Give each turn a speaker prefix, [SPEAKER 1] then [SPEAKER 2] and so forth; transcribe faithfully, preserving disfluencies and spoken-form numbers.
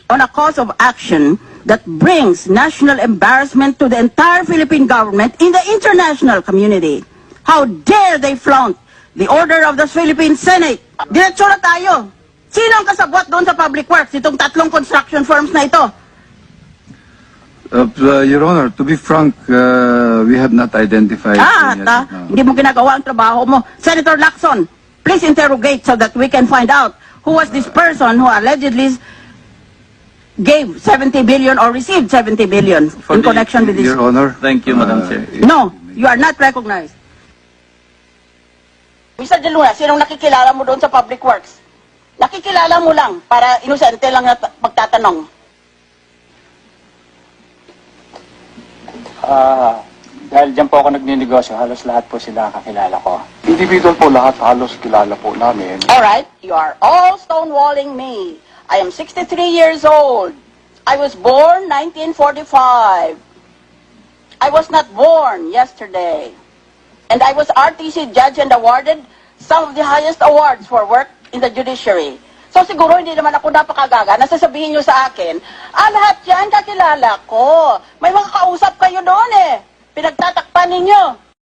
[SPEAKER 1] on a cause of action that brings national embarrassment to the entire Philippine government in the international community. How dare they flaunt the order of the Philippine Senate? Diretso na tayo. Sino ang kasabwat doon sa Public Works, itong tatlong construction firms na ito?
[SPEAKER 2] Uh, uh, Your Honor, to be frank, uh, we have not identified.
[SPEAKER 1] Ah,
[SPEAKER 2] any
[SPEAKER 1] ta,
[SPEAKER 2] as of now.
[SPEAKER 1] hindi mo ginagawa ang trabaho mo. Senator Lacson, please interrogate so that we can find out who was this person who allegedly gave seventy billion or received seventy billion
[SPEAKER 3] For
[SPEAKER 1] in
[SPEAKER 3] the-
[SPEAKER 1] connection with this.
[SPEAKER 2] Your Honor.
[SPEAKER 3] Thank you, Madam
[SPEAKER 2] uh,
[SPEAKER 3] Chair.
[SPEAKER 1] No, you are not recognized. Mister De Luna, sinong nakikilala mo doon sa Public Works? Nakikilala mo lang para inosente lang na magtatanong.
[SPEAKER 4] Ah, dahil dyan po ako nagninegosyo, halos lahat po sila kakilala ko.
[SPEAKER 5] Individual po lahat, halos kilala po namin.
[SPEAKER 1] All right, you are all stonewalling me. I am sixty-three years old. I was born nineteen forty-five. I was not born yesterday. And I was R T C judge and awarded some of the highest awards for work in the judiciary. So siguro hindi naman ako napakagaga na sasabihin nyo sa akin, ah, lahat yan kakilala ko. May mga kausap kayo doon eh. Pinagtatakpan ninyo.